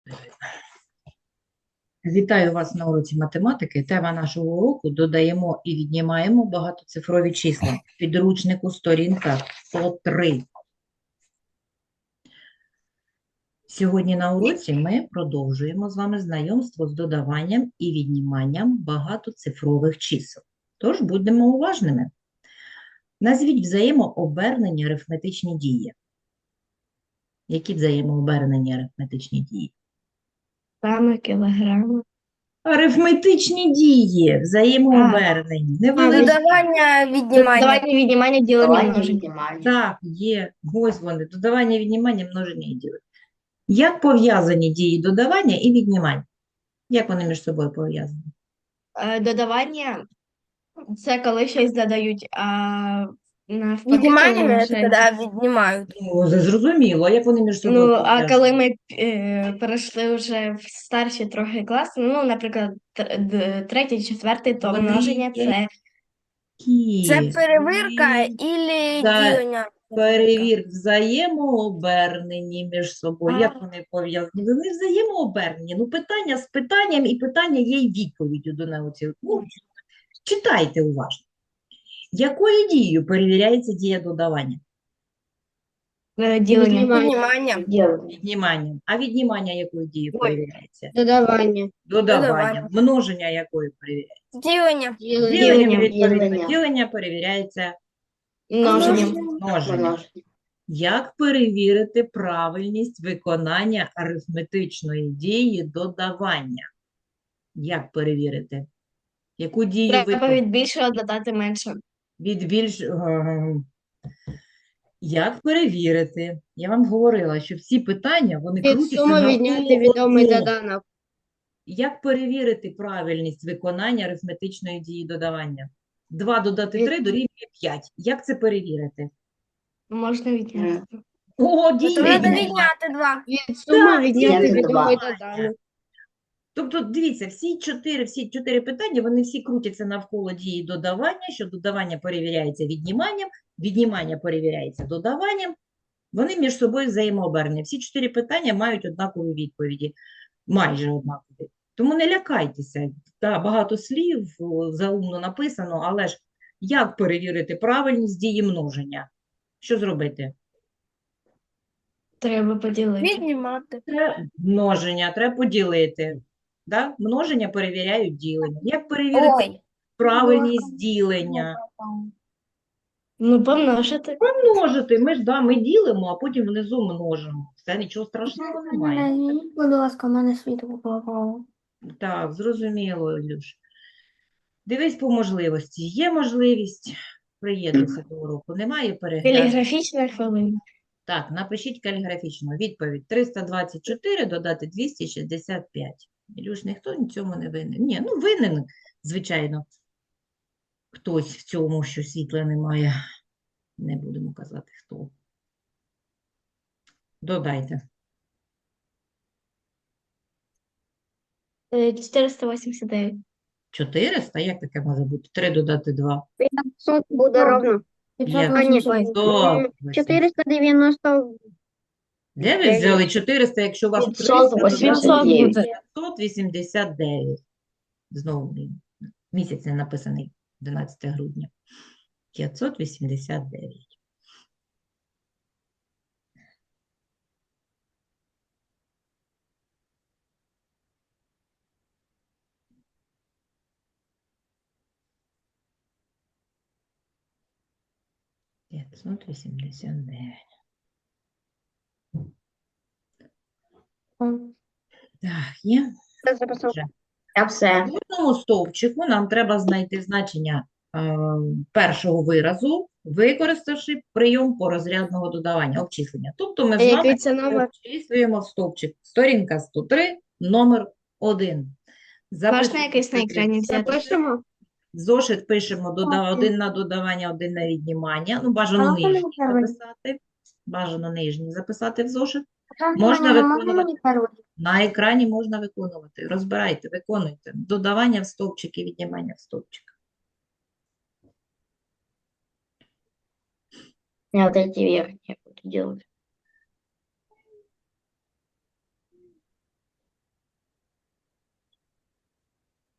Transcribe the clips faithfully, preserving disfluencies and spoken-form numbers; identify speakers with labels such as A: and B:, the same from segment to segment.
A: Вітаю вас на уроці математики. Тема нашого уроку – додаємо і віднімаємо багатоцифрові числа. В підручнику сторінка сто три. Сьогодні на уроці ми продовжуємо з вами знайомство з додаванням і відніманням багатоцифрових чисел. Тож будемо уважними. Назвіть взаємообернені арифметичні дії. Які взаємообернені арифметичні дії?
B: Грами, кілограми.
A: Арифметичні дії, взаємообернені. Невеличкі.
C: Додавання, віднімання.
B: Додавання, віднімання, ділення,
C: Додавання,
B: множення.
C: віднімання.
A: Так, є. Ось вони. Додавання, віднімання, множення і ділення. Як пов'язані дії додавання і віднімання? Як вони між собою пов'язані?
B: Е, Додавання – це коли щось додають, а навпаки,
C: Віднімання
B: коли ми
C: це
B: щось-
C: коли віднімають.
A: Ну, це зрозуміло. Як вони між собою
B: Ну, а
A: пов'язані?
B: коли ми е, перейшли вже в старші трохи класи, ну, наприклад, тр- д- третій, четвертий, то
A: Вони
B: множення – це
A: Які?
C: Це перевірка
A: Вони
C: і
A: за-
C: ділення.
A: Перевір взаємообернені між собою. Як
B: А.
A: вони пов'язані? Вони взаємообернені. Ну, питання з питанням, і питання є й відповіддю до науці. Ну, читайте уважно. Якою дією перевіряється дія додавання?
B: е, ділення.
C: Віднімання.
A: Відніманням. А віднімання якою дією
C: Ой.
A: перевіряється?
B: Додавання.
A: Додаванням.
C: Додавання.
A: Множення якою перевіряється?
C: Ділення.
A: Діленням, відповідно.
C: Ділення.
A: Ділення перевіряється
B: Множенням.
A: множенням. Як перевірити правильність виконання арифметичної дії додавання? Як перевірити? Яку дію ви
B: Треба від більшого додати менше.
A: від більш... е, Як перевірити? Я вам говорила, що всі питання, вони
B: Від
A: крутяться
B: суми
A: навколо
B: відняти відомий
A: одного.
B: доданок.
A: Як перевірити правильність виконання арифметичної дії додавання? два додати
B: Від-
A: три дорівнює п'ять. Як це перевірити?
B: Можна відняти.
A: О,
C: То
A: дії
C: треба
A: віднімання.
C: відняти два.
B: Від суми
A: Так,
B: відняти
C: ділення.
B: відомий
A: Віднімання.
B: доданок.
A: Тобто, дивіться, всі чотири, всі чотири питання, вони всі крутяться навколо дії додавання, що додавання перевіряється відніманням, віднімання перевіряється додаванням. Вони між собою взаємообернені. Всі чотири питання мають однакові відповіді, майже однакові. Тому не лякайтеся. Та, багато слів, о, заумно написано, але ж як перевірити правильність дії множення? Що зробити?
B: Треба поділити.
C: Віднімати.
A: Треба множення, треба поділити. Да? Множення перевіряють ділення. Як перевірити
C: Ой.
A: правильність ділення?
B: Ну, помножити.
A: Помножити. Ми ж да, ми ділимо, а потім внизу множимо. Все, нічого страшного немає.
C: Будь ласка, у мене світло попало.
A: Так, зрозуміло, Ілюш. Дивись по можливості. Є можливість, приєднуйся до уроку. Немає перегляду.
B: Телеграфічна хвилина.
A: Так, напишіть каліграфічно. Відповідь триста двадцять чотири додати двісті шістдесят п'ять. Ілюш, ніхто ні в цьому не винен. Ні, ну винен, звичайно, хтось в цьому, що світла немає. Не будемо казати, хто. Додайте.
B: Е, чотириста вісімдесят дев'ять.
A: чотириста? Як таке може бути? три додати два.
C: п'ятсот буде ровно.
A: Як?
C: А, ні,
A: сто.
C: чотириста дев'яносто.
A: Де ви взяли чотириста, якщо у вас
C: п'ятсот
A: триста
C: вісімдесят
A: додати
C: дев'ять.
A: п'ятсот вісімдесят дев'ять. Знову блін, місяць не написаний одинадцяте грудня. п'ятсот вісімдесят дев'ять. п'ятсот вісімдесят дев'ять. Так, є. Вже.
C: Я все.
A: В одному стовпчику нам треба знайти значення е, першого виразу, використавши прийом порозрядного додавання, обчислення. Тобто ми
B: А
A: з вами
B: який це номер?
A: обчислюємо в стовпчик. Сторінка сто три, номер один.
B: Можна якийсь на екрані взяти?
C: Запишемо.
A: Зошит пишемо дода- один на додавання, один на віднімання. Ну, бажано
C: можна
A: нижні
C: мені перший?
A: записати. Бажано нижні записати в зошит. Можна виконувати. На екрані можна виконувати. Розбирайте, виконуйте. Додавання в стовпчик і віднімання в стовпчик.
C: Я вот эти верхние буду делать.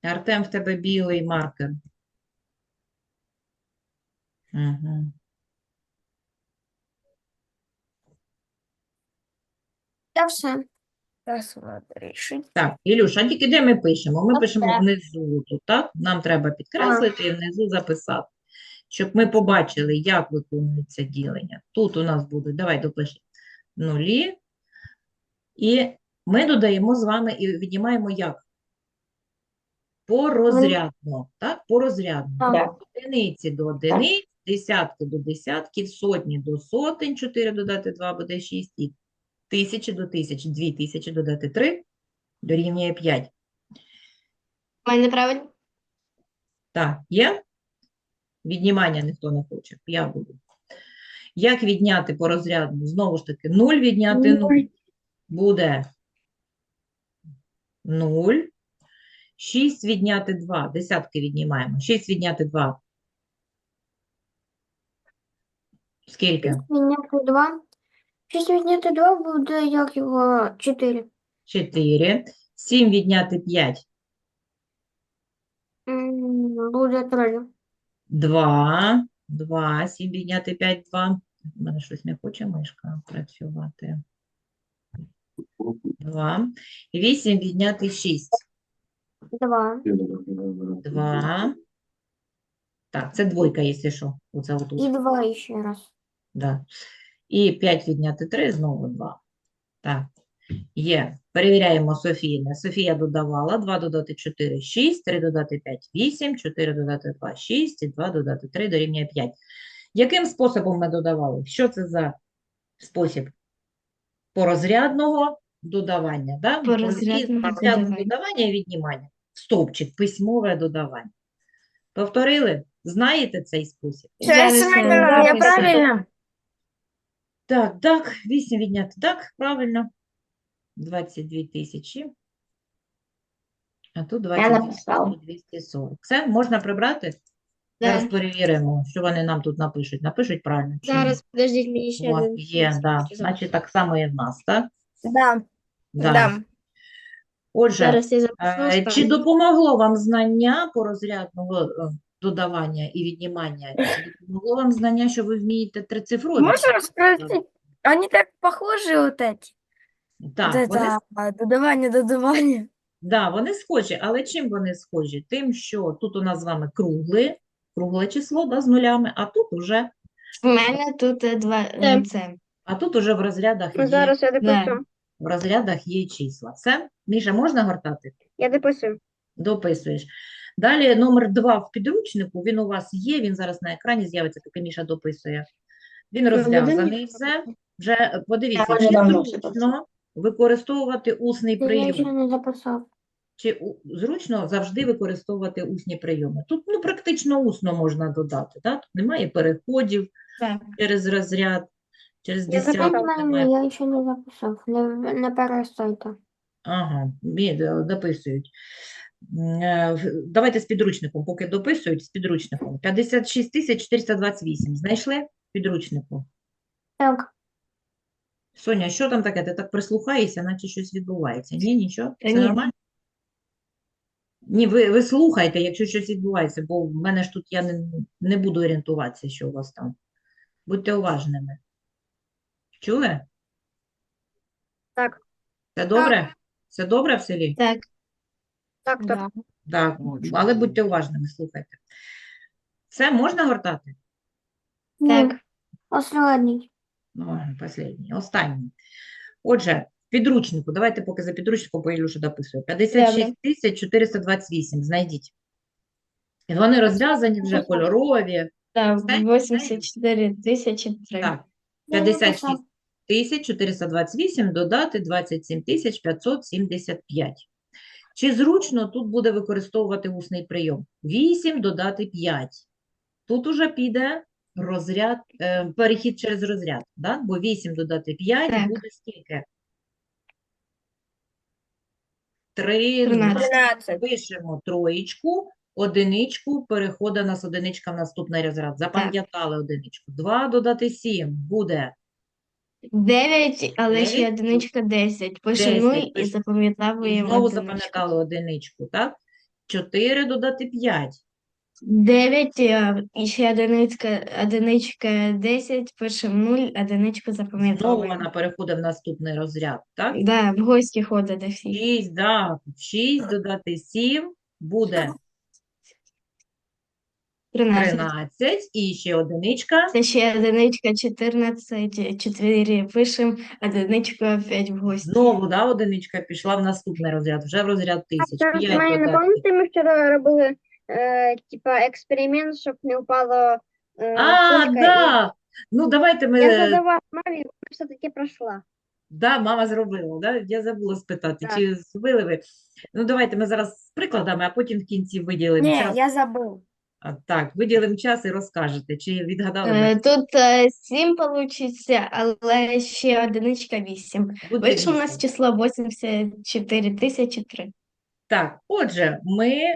A: Артем, в тебе білий маркер. Угу.
B: Я все. Зараз треба рішити.
A: Так, Ілюш, а тільки де ми пишемо? Ми пишемо
B: Оце.
A: внизу тут, так? Нам треба підкреслити і внизу записати, щоб ми побачили, як виконується ділення. Тут у нас будуть, давай допишемо, нулі. І ми додаємо з вами і віднімаємо як? Порозрядно, так? Порозрядно.
B: Так.
A: Одиниці до одиниць, десятки до десятків, сотні до сотень, чотири додати два буде шість, і тисячі до тисяч, дві тисячі додати три дорівнює п'ять.
B: У мене правильно?
A: Так, є? Віднімання ніхто не хоче, я буду. Як відняти порозрядно? Знову ж таки, нуль відняти нуль буде нуль. шість відняти два, десятки віднімаємо. шість відняти два. Скільки?
C: Відняти два. шість відняти два буде, як його, чотири.
A: чотири. сім відняти п'ять.
C: Буде три.
A: два. два. сім відняти п'ять, два. У мене щось не хоче мишка працювати. два. вісім відняти шість.
C: Два.
A: два. Так, це двойка, якщо що. Оце отут.
C: І два ще раз.
A: Да. І п'ять відняти три, знову два. Так, є. Перевіряємо Софійне. Софія додавала. два додати чотири, шість, три додати п'ять, вісім, чотири додати два, шість, і два додати три дорівнює п'ять. Яким способом ми додавали? Що це за спосіб? Порозрядного додавання. Да?
B: Порозрядного
A: Порозрядного
B: додавання.
A: додавання і віднімання. Стовпчик, письмове додавання. Повторили? Знаєте цей спосіб?
B: Зараз я
C: Я
B: записую.
C: правильно?
A: Так, так, вісім відняти, так, правильно. двадцять дві тисячі. А тут двадцять дві
C: написала.
A: тисячі двісті сорок. Все, можна прибрати? Зараз
B: Да.
A: перевіримо, що вони нам тут напишуть. Напишуть правильно чи ні?
B: Зараз, подождіть, мені ще
A: О,
B: один.
A: є, да. Значить, так само і в нас, так?
B: Да.
A: Да.
B: Да.
A: Отже,
B: Зараз я запишу.
A: е, чи
B: ставлю.
A: допомогло вам знання по розрядного е, додавання і віднімання? Чи допомогло вам знання, що ви вмієте трицифрові?
D: Можно спросить? Они так похожи, вот эти. Вот
A: Так, вони
D: это а, додавание, додавание.
A: Да, вони схожі, але чим вони схожі? Тим, що тут у нас з вами кругле, кругле число, да, з нулями, а тут уже,
B: У мене тут е, два е, це.
A: а тут уже в розрядах є,
C: Зараз я
B: Да.
C: допишу.
A: в розрядах є числа. Все? Міша, можна гортати?
C: Я дописую.
A: Дописуєш. Далі номер два в підручнику, він у вас є, він зараз на екрані з'явиться, поки Міша дописує. Він розв'язаний, все. Вже подивіться,
C: Я вже
A: чи
C: давно
A: зручно використовувати усний
C: Я
A: прийом.
C: ще не записав.
A: Чи у- зручно завжди використовувати усні прийоми? Тут ну, практично усно можна додати, да? Тут немає переходів
B: Так.
A: через розряд, через
C: Я
A: десяток
C: записав,
A: немає.
C: я ще не записав. Не, не перестойте.
A: Ага, бі- е, дописують. М, е, в- Давайте з підручником, поки дописують, з підручником. п'ятдесят шість тисяч чотириста двадцять вісім. Знайшли в підручнику?
C: Так.
A: Соня, що там таке? Ти так прислухаєшся, наче щось відбувається. Ні, нічого?
B: Та
A: Все
B: ні.
A: нормально? Ні, ви, ви слухайте, якщо щось відбувається, бо в мене ж тут я не, не буду орієнтуватися, що у вас там. Будьте уважними. Чули?
C: Так.
A: Все добре? Все добре в селі?
B: Так.
C: Так, так.
B: Да.
A: Так, але будьте уважними, слухайте. Все, можна гортати?
B: Так.
C: Останній.
A: Ну, останній, останній. Отже, в підручнику, давайте поки за підручником, бо Ілюша дописує. п'ятдесят шість тисяч чотириста двадцять вісім, знайдіть. І вони розв'язані вже, кольорові.
B: Так,
A: Все?
B: вісімдесят чотири тисячі три.
A: Так,
C: Я
A: п'ятдесят
C: написав.
A: шість тисяч чотириста двадцять вісім додати двадцять сім тисяч п'ятсот сімдесят п'ять. Чи зручно тут буде використовувати усний прийом? вісім додати п'ять. Тут уже піде розряд, е, перехід через розряд, да? Бо вісім додати п'ять
B: Так.
A: буде скільки? три.
B: Тринадцять.
D: тринадцать.
A: Пишемо троєчку, одиничку, переходить у нас одиничка в наступний розряд. Запам'ятали одиничку. два додати сім буде
B: дев'ять, але ще
A: Дев'ять.
B: одиничка десять. Пишемо
A: Десять,
B: нуль і
A: пишемо. І
B: запам'ятовуємо
A: знову
B: одиничку.
A: запам'ятали одиничку, так? чотири додати п'ять.
B: дев'ять, е, і ще одиничка, одиничка десять, пишемо нуль, одиничку
A: Знову
B: запам'ятовуємо.
A: вона переходить в наступний розряд, так?
B: Да, в гості ходить до всіх.
A: шість, да. шість додати сім буде
B: тринадцять.
A: тринадцять. І ще одиничка.
B: Це ще одиничка, чотирнадцять, чотири пишемо, одиничка опять в гості.
A: Знову, да, одиничка пішла в наступний розряд, вже в розряд тисяч.
C: Зараз
A: п'ять
C: мене не
A: додати.
C: пам'ятаєте, ми вчора робили е, типа експеримент, щоб не впало е,
A: А,
C: кулька.
A: да. Ну, давайте ми...
C: І я задавала мамі, вона все-таки пройшла.
A: Да, мама зробила, да? Я забула спитати,
C: Так.
A: чи зробили ви? Ну, давайте ми зараз з прикладами, а потім в кінці виділимо
D: Не,
A: час.
D: я забыл.
A: А, так, виділимо час і розкажете, чи відгадали
B: Е,
A: ви.
B: Тут е, сім получиться, але ще одиничка вісім.
A: Буде
B: Вийшло у нас
A: вісім.
B: число вісімдесят чотири тисячі три.
A: Так, отже, ми е,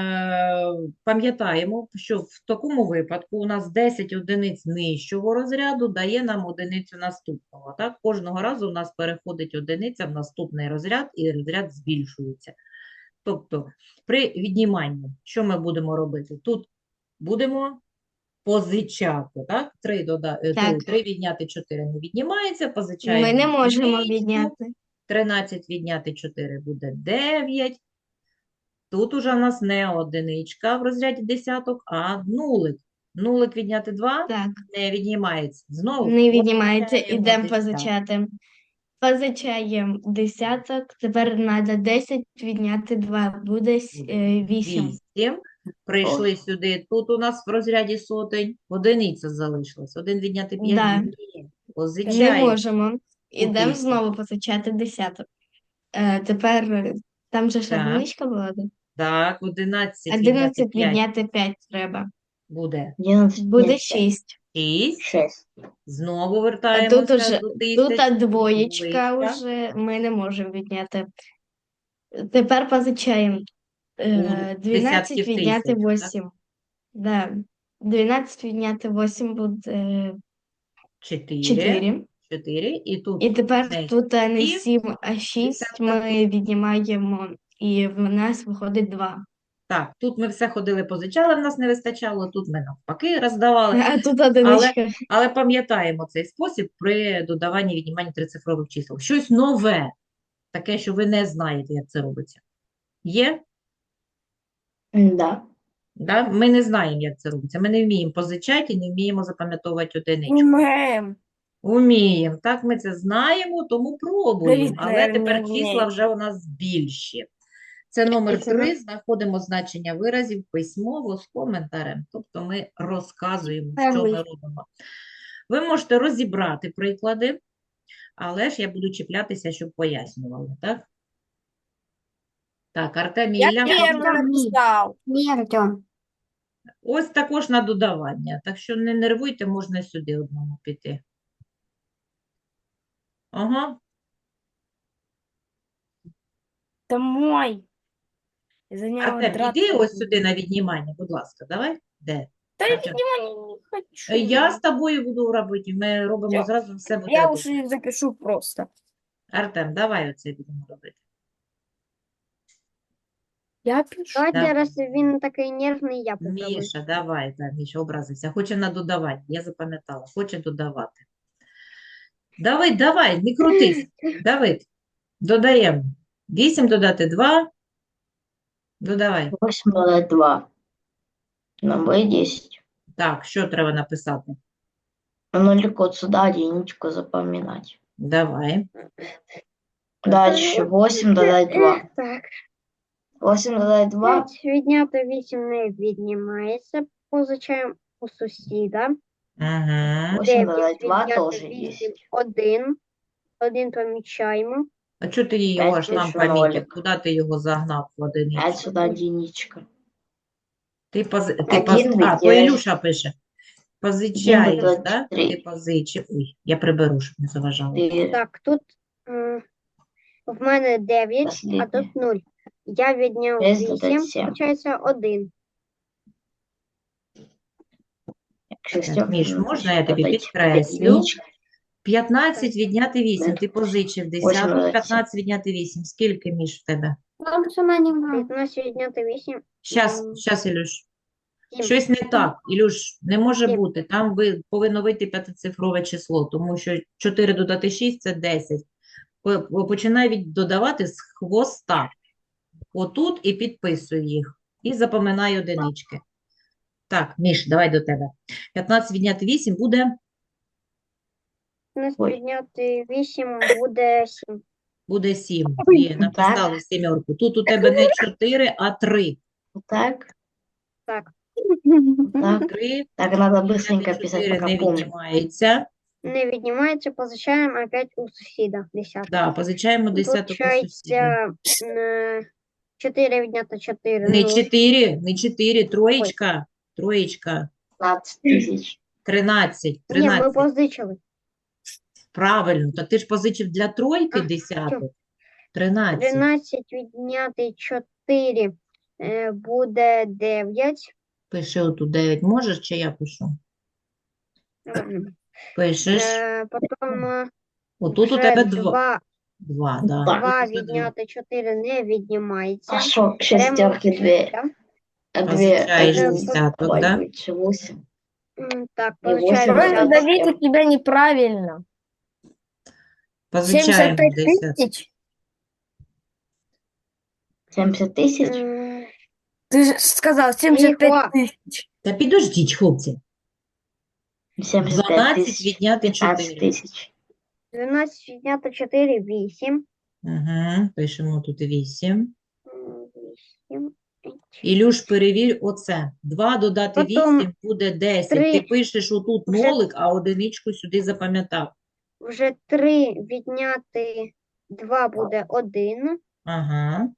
A: пам'ятаємо, що в такому випадку у нас десять одиниць нижчого розряду дає нам одиницю наступного. Так? Кожного разу у нас переходить одиниця в наступний розряд, і розряд збільшується. Тобто, при відніманні, що ми будемо робити? Тут будемо позичати, так? три, дода... е,
B: Так.
A: три відняти чотири не віднімається, позичаємо
B: Ми не можемо
A: одиничку.
B: відняти.
A: тринадцять відняти чотири буде дев'ять. Тут уже у нас не одиничка в розряді десяток, а нулик. Нулик відняти два
B: Так,
A: не віднімається. Знову
B: не віднімається,
A: позичаємо
B: ідемо
A: десяток.
B: позичати. Позичаємо десяток, тепер треба десять відняти два, буде с- е, вісім.
A: Вісім. Прийшли сюди. Тут у нас в розряді сотень. Одиниця залишилась. Один відняти п'ять.
B: Да.
A: Ні.
B: Не
A: Позичаємо.
B: можемо. Ідемо
A: тисячу.
B: знову позичати десяток. Е, тепер е, там же ж
A: Так.
B: одиничка була, да?
A: Так, одинадцять відняти
B: одинадцять
A: п'ять
B: відняти п'ять треба.
A: буде
B: Буде шість.
A: шість.
C: Шесть.
A: Знову
B: А
A: вертаємося
B: тут уже
A: до
B: тут
A: тисяч.
B: двоєчка
A: Двоєчка.
B: вже ми не можемо відняти. Тепер позичаємо. Е,
A: У
B: дванадцять
A: десятків
B: відняти
A: тисяч, так?
B: вісім. Да. дванадцять відняти вісім буде
A: Чотири.
B: чотири.
A: Чотири. І тут
B: І тепер
A: не
B: тут е, не
A: сім,
B: сім, а шість
A: десяток.
B: ми віднімаємо, і в нас виходить два.
A: Так, тут ми все ходили, позичали, в нас не вистачало, тут ми навпаки роздавали.
B: А тут одиничка.
A: Але пам'ятаємо цей спосіб при додаванні і відніманні трицифрових чисел. Щось нове, таке, що ви не знаєте, як це робиться. Є?
C: Да.
A: Да? Ми не знаємо, як це робиться. Ми не вміємо позичати і не вміємо запам'ятовувати одиничку.
D: Умеем.
A: Уміємо. Так, ми це знаємо, тому пробуємо.
D: Давид,
A: Але
D: наверное,
A: тепер
D: не
A: числа
D: вміє.
A: вже у нас більші. Це номер
C: Це
A: три. Знаходимо значення виразів письмово з коментарем. Тобто ми розказуємо, що ми
C: Перший.
A: робимо. Ви можете розібрати приклади, але ж я буду чіплятися, щоб пояснювали, так? Так, Артем і
D: Я
A: Ілля.
D: первый написал.
C: Ні, Артем.
A: Ось також на додавання. Так що не нервуйте, можна сюди одному піти. Ага.
D: Это мой. За него
A: Артем,
D: драться
A: іди ось
D: буду.
A: сюди на віднімання, будь ласка, давай. Де?
D: Да я
A: Артем.
D: внимания не хочу.
A: Я з тобою буду робити, ми робимо
D: Я-
A: зразу все буде
D: Я
A: добре.
D: уже запишу просто.
A: Артем, давай оце будемо робити.
D: Я пишу.
C: Давайте,
A: Да.
C: раз він такий нервний, я попробую.
A: Міша, давай, так, Міша образився. Хоче на додавання, я запам'ятала, хоче додавати. Давид, давай, не крутись. Давид, додаємо. вісім додати два. Додавай.
E: восемь додать два. На Б десять.
A: Так, що треба написати?
E: Нолик вот сюда, единичку запоминать.
A: Давай.
E: Дальше восемь додать два.
C: Так,
E: восемь додать два.
C: п'ять відняти вісім не віднімається. Позичаємо у сусіда.
A: Угу.
E: восемь
C: дев'ять
E: додать два
C: відняти
E: тоже
C: вісім,
E: есть.
C: один. Один помічаємо.
A: А чого ти його аж
E: П'ять
A: нам
E: більше
A: помітив?
E: нолик.
A: Куди ти його загнав в одиницю?
E: пять сюда единичка.
A: Ти, поз... ти
E: Один
A: поз... А, то
E: відділяєш.
A: Ілюша пише. Позичаєш,
E: додати
A: так?
E: три.
A: Ти позичив. Ой, я приберу, щоб не заважало.
E: Ты
C: Так, тут е, в мене дев'ять, а
E: Последнє.
C: тут нуль. Я відняв
E: Шесть додати
C: вісім,
E: сім.
C: виходить один.
A: Так, Міш, можна я тобі
E: додать
A: підкреслю?
E: единичка.
A: п'ятнадцять відняти вісім. Ти позичив
E: Восемь
A: десяток.
E: додати
A: п'ятнадцять відняти вісім. Скільки, Міш, в тебе?
C: Там сама немає. п'ятнадцять відняти вісім.
A: Щас,
C: М,
A: щас, Ілюш.
C: сім.
A: Щось не так, Ілюш, не може
C: Сім.
A: бути. Там ви повинно вийти п'ятицифрове число, тому що чотири додати шість – це десять. По- по- Починай від додавати з хвоста. Отут і підписуй їх. І запоминай одинички. Так, Міш, давай до тебе. п'ятнадцять відняти вісім буде,
C: п'ятнадцять
E: Ой.
C: відняти вісім буде сім.
A: буде сім. Є, написали сімерку. Тут у тебе не чотири, а три.
E: Так,
C: Так.
E: так.
A: три
E: Так, надо
A: відняти
E: быстренько писать,
A: чотири
E: пока
A: не
E: помню.
A: віднімається.
C: Не віднімається, позичаємо опять у сусіда. Десяток.
A: Да, позичаємо десяток у сусіда.
C: Получається е, чотири відняти чотири.
A: Не
C: нуль.
A: чотири, не чотири, троєчка, троєчка,
E: пятнадцать тысяч.
A: тринадцять,
C: Ні, ми
A: тринадцять.
C: позичили.
A: Правильно, то ти ж позичив для тройки
C: А,
A: десяток. тринадцять.
C: тринадцять відняти чотири е, буде дев'ять.
A: Пиши отут дев'ять. Можеш, чи я пишу? Пишеш.
C: Е, потім е,
A: Отут у
C: вже
A: тебе два.
C: два,
A: Два, да.
E: Так.
C: два
A: Тут ось два.
C: відняти чотири не віднімається.
E: А что,
C: Беремо
E: шестерки две,
C: да?
E: а две,
A: Позичаешь
E: один,
A: десяток,
E: ой,
A: да?
E: ничего себе.
C: М, Так,
E: І восемь
C: получаємо
E: відняти
D: Просто
C: десяток.
D: Давид, у тебя неправильно.
A: Позичаємо
D: семьдесят пять
A: десяток.
D: тысяч.
E: семьдесят тысяч?
C: М,
D: Ты же сказал семьдесят пять
C: Тихо.
D: тысяч.
A: Та підождіть, хлопці.
E: семьдесят пять
A: дванадцять
E: тысяч,
A: відняти
E: пятнадцать
A: чотири.
E: тысяч.
C: дванадцять відняти чотири вісім.
A: Угу. Пишемо тут вісім.
C: М, вісім.
A: Ілюш, перевір оце. два додати
C: Потім
A: вісім буде десять.
C: три.
A: Ти пишеш отут
C: Вже-
A: нолик, а одиничку сюди запам'ятав.
C: Вже три відняти два буде один.
A: Ага.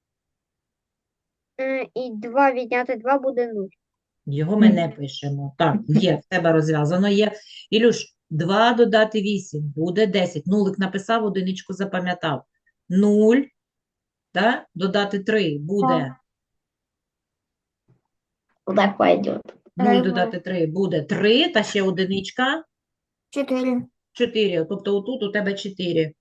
C: Е, І два відняти два буде нуль.
A: Його ми не пишемо. Так, є, в тебе розв'язано є. Ілюш, два додати вісім буде десять. Нулик написав, одиничку запам'ятав. нуль, да? Додати три буде.
E: Куда пойдет?
A: нуль
B: Ага.
A: додати три буде три, та ще одиничка
B: Чотири.
A: чотири. Тобто отут у тебе чотири.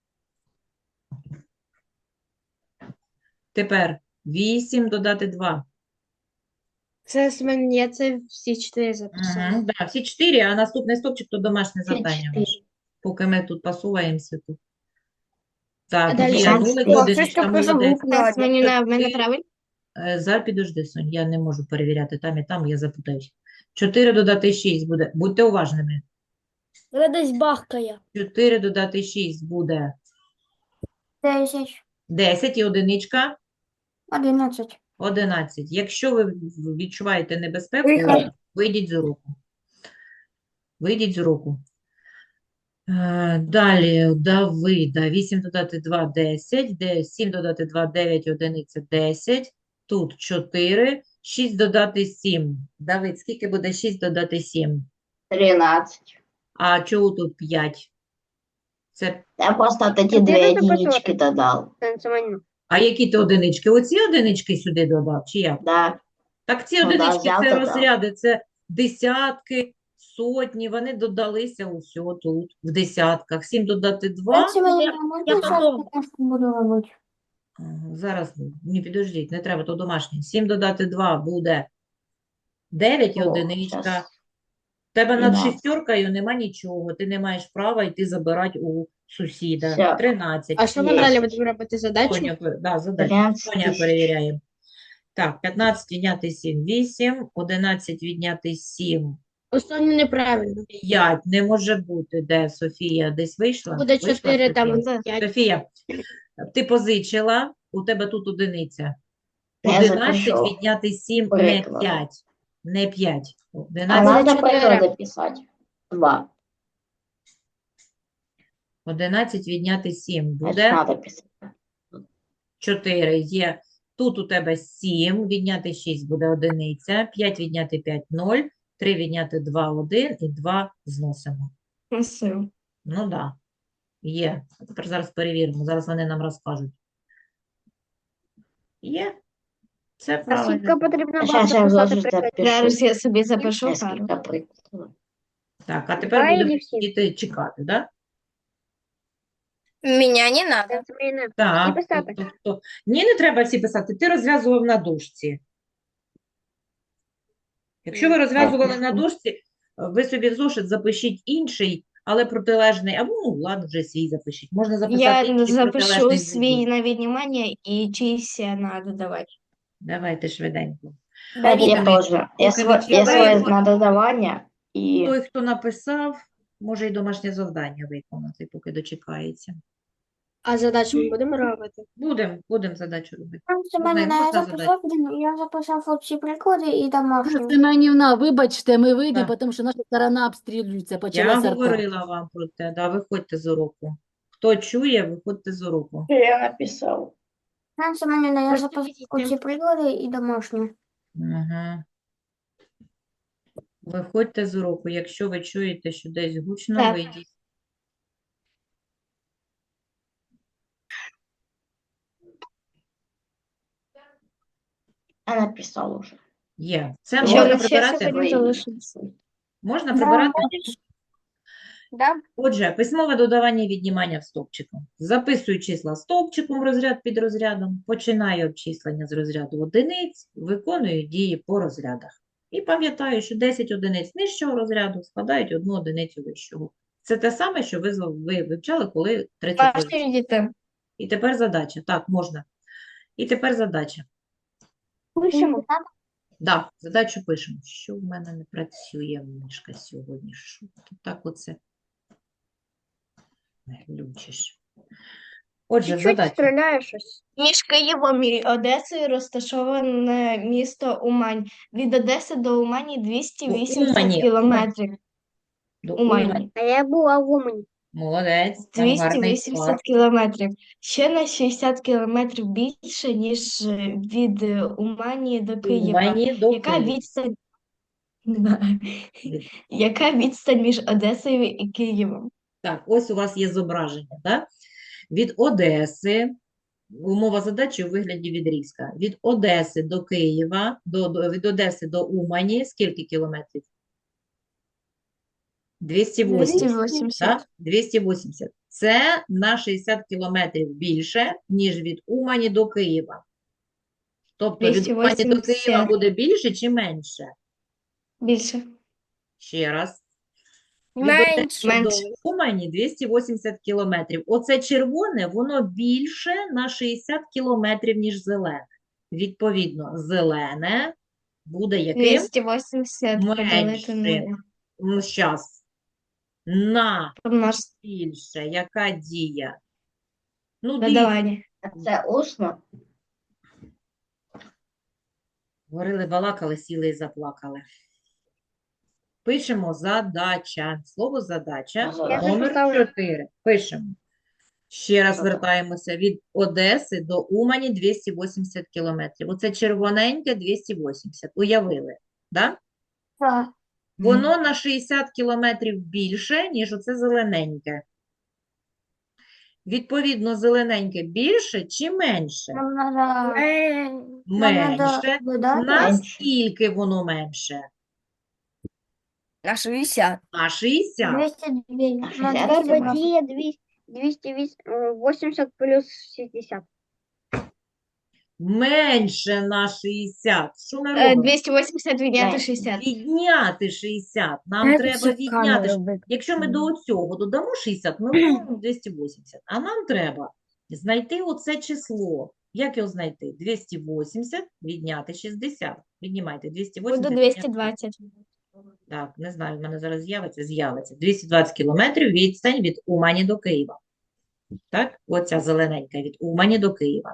A: Тепер вісім додати два.
F: Це з мене, я це всі чотири записала.
A: Угу, да, всі чотири, а наступний стопчик то домашнє
E: Всі
A: завдання
E: чотири.
A: ваше. Поки ми тут посуваємося тут. Так,
F: далі
A: є
E: що?
A: нулик,
E: О,
A: одиничка,
D: щось таке
A: молодець.
D: загуглила.
B: Мені на в мене правильно?
A: Е, Зараз підожди, Сонь, я не можу перевіряти там і там, я запутаюсь. чотири додати шість буде, будьте уважними.
F: Десь бахкає.
A: чотири додати шість буде
B: Десять.
A: десять і одиничка
B: Одинадцять.
A: одинадцять. Якщо ви відчуваєте небезпеку,
D: Вихід.
A: вийдіть з уроку. Вийдіть з уроку. Е, Далі, Давида. вісім додати два – десять. Де- сім додати два – дев'ять, одиниця – десять. Тут чотири. шість додати сім. Давид, скільки буде шість додати сім?
E: тринадцать.
A: А чого тут п'ять? Це...
E: Я просто вот эти
C: А
E: две
C: где надо
E: единички
C: посмотреть?
E: додал.
C: Танцювання.
A: А які ти одинички? Оці одинички сюди додав, чи як?
E: Да,
A: Так ці
E: Ну да,
A: одинички
E: взяв,
A: це
E: додав.
A: розряди, це десятки, сотні, вони додалися усього тут, в десятках. сім додати два.
F: я потом.
B: буду робити?
A: Ага, зараз, не підождіть, не треба, то домашнє. сім додати два буде дев'ять і
E: О,
A: одиничка.
E: щас.
A: В тебе над
E: тринадцять.
A: шістеркою нема нічого, ти не маєш права йти забирати у сусіда.
E: Все.
A: тринадцять.
F: А що ми
E: Є.
F: далі будемо робити задачу?
A: Соня, пе- да, задача.
E: тринадцать
A: Соня
E: тысяч.
A: перевіряє. Так, п'ятнадцять відняти сім – вісім, одинадцять відняти сім
F: Основні неправильно.
A: – п'ять. Не може бути. Де Софія? Десь вийшла?
F: Буде
A: Вийшла
F: чотири там,
A: Софія?
F: п'ять.
A: Софія, ти позичила, у тебе тут одиниця.
E: Я
A: одинадцять
E: запишу.
A: відняти сім – не
E: Приклад.
A: п'ять. Не п'ять.
E: А
A: одинадцять,
E: надо
F: чотири.
E: приклады писать. Два.
A: одинадцять відняти сім
E: Значит,
A: буде
E: надо писать.
A: чотири. Є. Тут у тебе сім, відняти шість буде одиниця, п'ять відняти п'ять – нуль, три відняти два – один і два зносимо.
B: Красиво.
A: Ну так, да. Є. А тепер зараз перевіримо, зараз вони нам розкажуть. Є. Це
C: А
A: правильно.
C: скільки потрібно
E: А
C: було
E: щас я
C: записати
E: зложу,
C: прикладів?
E: запишу.
B: Зараз я собі запишу пару.
E: Несколько прикладов.
A: Так, а тепер
C: Два
A: будемо
C: или всі?
A: сидіти чекати, да?
D: Меня не надо.
C: Це зміни. Всі
A: Так,
C: писати.
A: тобто, хто- ні, не треба всі писати. Ти розв'язував на дошці. Якщо ви розв'язували на дошці, ви собі в зошит запишіть інший, але протилежний, або, ну, ладно, вже свій запишіть. Можна записати
B: Я
A: інший
B: запишу
A: протилежний
B: свій
A: зв'язок.
B: на віднімання і чийсь на додавання.
A: Давайте швиденько.
E: Так, я
A: Поки
E: тоже. Я,
A: поки
E: сво- я своє
A: відчуваємо,
E: на додавання і
A: той, хто написав, може і домашнє завдання виконати, поки дочекається.
F: А задачу ми будемо робити?
A: Будемо, будемо задачу робити.
G: Пан
A: Можна,
G: Семенівна, я
A: можна
G: записав, один- я записав всі приклади і домашні.
H: Семенівна, вибачте, ми вийдемо,
A: Так.
H: тому що наша сторона обстрілюється,
A: Я
H: почалася арта.
A: говорила вам про те, да, виходьте з уроку. Хто чує, виходьте з уроку.
E: я написав.
G: Пан Семенівна, я
F: Просто
G: записав
F: підійдіть.
G: всі приклади і домашні.
A: Ага. Виходьте з уроку. Якщо ви чуєте, що десь гучно,
B: Так.
A: вийдіть.
E: Я написав уже.
A: Є. Це
B: Що
A: можна
B: на ще
A: прибирати?
B: сьогодні залишилося?
A: Можна прибирати?
C: Да?
A: Отже, письмове додавання і віднімання в стовпчику. Записую числа стовпчиком, розряд під розрядом, починаю обчислення з розряду одиниць, виконую дії по розрядах. І пам'ятаю, що десять одиниць нижчого розряду складають одну одиницю вищого. Це те саме, що ви, з- ви вивчали, коли тридцять
B: Можете
A: одиниць.
B: відійти.
A: І тепер задача. Так, можна. І тепер задача.
C: Пишемо.
A: Да, задачу пишемо. Що в мене не працює мишка сьогодні? Що ти так оце глючиш? Отже,
C: Чуть-чуть
A: задача.
C: стріляє щось.
B: Між Києвом і Одесою розташоване місто Умань. Від Одеси до Умані двісті вісімдесят
A: Умані,
B: кілометрів.
A: До
B: Умані.
A: Умані.
C: А я була в Умані.
A: Молодець, там гарний
B: двісті вісімдесят
A: склад.
B: кілометрів. Ще на шістдесят кілометрів більше, ніж е, від е, Умані до Києва.
A: Умані до
B: Яка
A: Києва.
B: відстань? Яка відстань між Одесою і Києвом?
A: Так, ось у вас є зображення, так? Від Одеси, умова задачі у вигляді відрізка. Від Одеси до Києва, до, до, від Одеси до Умані, скільки кілометрів? двісті вісімдесят.
B: двісті вісімдесят.
A: Так? двісті вісімдесят. Це на шістдесят кілометрів більше, ніж від Умані до Києва. Тобто від Умані до Києва
B: двісті вісімдесят.
A: буде більше чи менше?
B: Більше.
A: Ще раз. Від
D: Менше.
A: Одеси до
B: Менше.
A: Умані двісті вісімдесят кілометрів. Оце червоне, воно більше на шістдесят кілометрів, ніж зелене. Відповідно, зелене буде яким?
B: двісті вісімдесят поділити на
A: Менше. Ну, щас. На
B: помножити
A: більше. Яка дія? Ну, дивіться,
B: додавання.
E: Це усно.
A: говорили, балакали, сіли і заплакали. Пишемо задача. Слово задача.
E: Я
A: Номер
C: записала.
A: чотири. Пишемо. Ще раз
E: Що там?
A: вертаємося від Одеси до Умані двісті вісімдесят кілометрів. Оце червоненьке двісті вісімдесят. Уявили, да?
G: Так.
A: Воно на шістдесят кілометрів більше, ніж оце зелененьке. Відповідно, зелененьке більше чи менше?
G: Нам надо,
D: Менше.
G: нам надо
A: Менше.
G: додати.
A: Наскільки воно менше?
D: На шістдесят.
A: На шістдесят.
G: двісті дві.
E: А
G: На
E: шістдесят
G: двісті
C: Треба
G: два.
C: діє двісті вісімдесят плюс шістдесят.
A: Менше на шістдесят. Що ми
B: Е,
A: робимо?
B: двісті вісімдесят відняти
E: Менше.
B: шістдесят.
A: Відняти шістдесят. Нам
D: Знаєте,
A: треба
D: що
A: відняти.
D: камеру виключили?
A: Якщо ми до цього додамо шістдесят, ми отримаємо двісті вісімдесят. А нам треба знайти оце число. Як його знайти? двісті вісімдесят відняти шістдесят. Віднімайте двісті вісімдесят.
B: Буде
A: відняти
B: двісті двадцять.
A: Так, не знаю, в мене зараз з'явиться, з'явиться. двісті двадцять кілометрів відстань від Умані до Києва. Так, оця зелененька від Умані до Києва.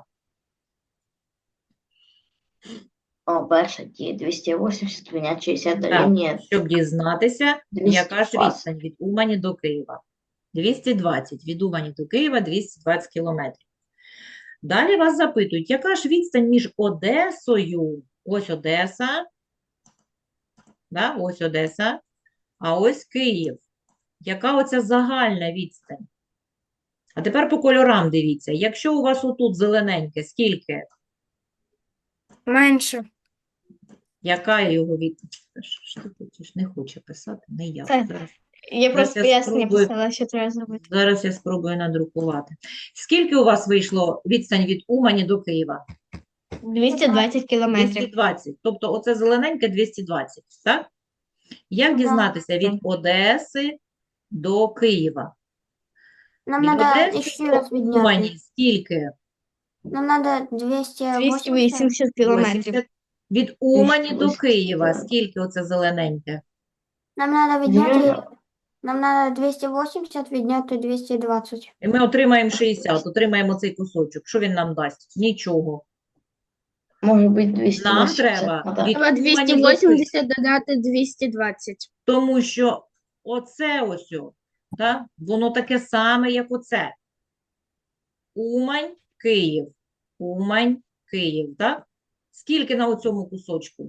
E: О, перша дія двісті вісімдесят відняти шістдесят
A: Так,
E: дорівнює
A: щоб дізнатися,
E: двісті
A: яка ж
E: двадцять.
A: відстань від Умані до Києва. двісті двадцять. Від Умані до Києва двісті двадцять кілометрів. Далі вас запитують, яка ж відстань між Одесою? Ось Одеса. Да, ось Одеса. А ось Київ. Яка оця загальна відстань? А тепер по кольорам дивіться. Якщо у вас отут зелененьке, скільки?
D: Менше.
A: Яка його відстань? Що ж ти хочеш? Не хоче писати, не я.
B: Це-
A: Зараз.
B: Я просто
A: я
B: пояснення
A: спробую.
B: писала, що треба зробити.
A: Зараз я спробую надрукувати. Скільки у вас вийшло відстань від Умані до Києва?
B: двісті двадцять кілометрів.
A: двісті двадцять. Тобто оце зелененьке двісті двадцять, так? Як дізнатися від Одеси до Києва?
G: Нам
A: Від
G: надо
A: Одеси
G: еще
A: до
G: раз відняти.
A: Умані скільки?
G: Нам надо двісті
B: двісті
G: вісімдесят.
B: вісімдесят кілометрів.
A: вісімдесят. Від Умані до
E: двісті
A: Києва
E: вісімдесят.
A: скільки оце зелененьке?
G: Нам надо відняти.
E: Вірно.
G: Нам надо двісті вісімдесят відняти двісті двадцять.
A: І ми отримаємо шістдесят, отримаємо цей кусочок. Що він нам дасть? Нічого.
E: Может быть, двести
A: Нам
E: восемьдесят.
A: треба
E: Ну, да.
A: від
F: Треба
A: Умані до
F: двісті
A: Києва.
F: вісімдесят додати двісті двадцять.
A: Тому що оце ось, о, так, воно таке саме, як оце. Умань, Київ. Умань, Київ, так? Скільки на оцьому кусочку?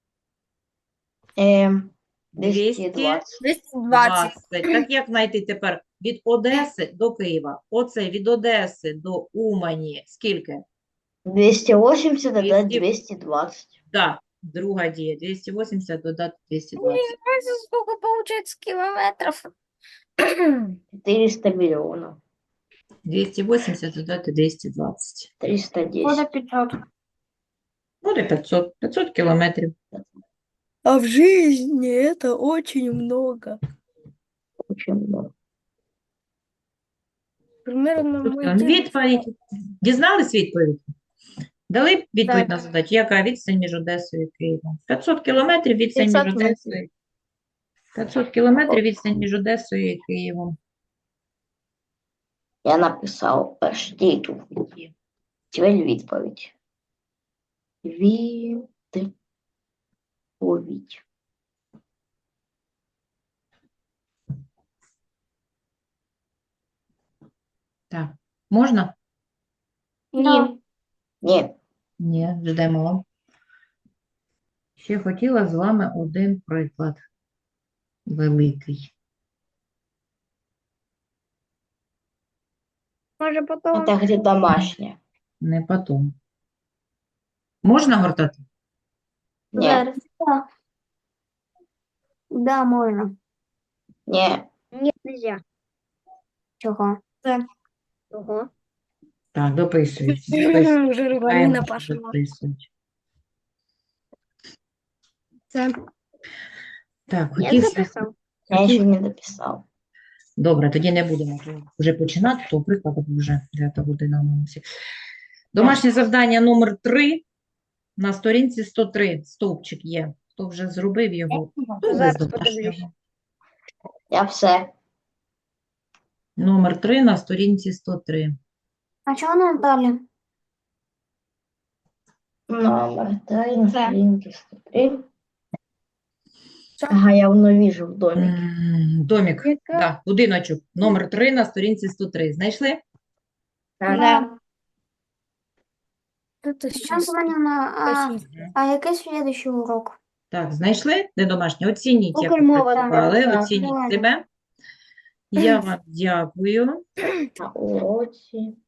E: Эм,
A: двісті
E: двести двадцать.
D: двісті двадцять.
A: двадцять. Так як знайти тепер від Одеси до Києва? Оце від Одеси до Умані. Скільки?
E: двести восемьдесят додать
A: двести.
E: двести двадцать.
A: Так, друга дія. двісті вісімдесят додати двісті двадцять.
D: Знаете, сколько получается километров?
E: четыреста миллионов.
A: двісті вісімдесят додати двісті двадцять.
E: триста
G: Буде
E: десять.
G: п'ятсот.
A: Буде п'ятсот. п'ятсот кілометрів.
D: А в жизни это очень много.
E: Очень много.
D: Примерно
A: Тут
D: мой
A: там
D: день-
A: відповідь. Дізнались відповідь? Дали відповідь
D: Так.
A: на задачу, яка відстань між Одесою і Києвом? п'ятсот кілометрів відстань між
B: п'ятсот метрів.
A: Одесою. п'ятсот кілометрів відстань між Одесою і Києвом.
E: Я написав перші відповіді. Тепер відповідь. Відповідь.
A: Так, можна?
B: Ні.
E: Ні.
A: Ні, ждемо. Ще хотіла з вами один приклад. Великий.
C: Може потім.
E: Це где домашнє.
A: Не потом. Можна гортати?
E: Ні.
G: Зараз. Да. Да, можна.
E: Ні.
C: Ні, нельзя.
G: Чого?
C: Ого.
A: Так, дописують. Дописують.
D: Уже
A: Чекаємо,
D: рванина
A: що
D: пошла.
A: дописують.
F: Це
A: Так,
C: Я
A: хотів
C: записав.
E: Я ще не дописав.
A: Добре, тоді не будемо то вже починати, то прикладу вже дев'ята година на носі. Домашнє завдання номер три на сторінці сто три. Стовпчик є. Хто вже зробив його? Хто
C: Зараз
A: з домашнього?
C: подивлюсь.
E: Я все.
A: Номер три на сторінці сто три.
G: А чого нам далі?
E: Номер три на
B: Це.
E: сторінці сто три. Ага, я воно вижу в домі.
A: М, Домік,
F: Яка?
A: да, будиночок. Номер три на сторінці сто три. Знайшли?
B: Да.
D: Это
G: Нам
D: сейчас.
G: Іванівна, а, а який слідуючий урок?
A: Так, знайшли? Де домашнє? Оцініть, як
C: Укрмова,
A: працювали,
E: так.
A: оцініть
G: Давай.
A: себе. Я вам дякую.
E: На уроці.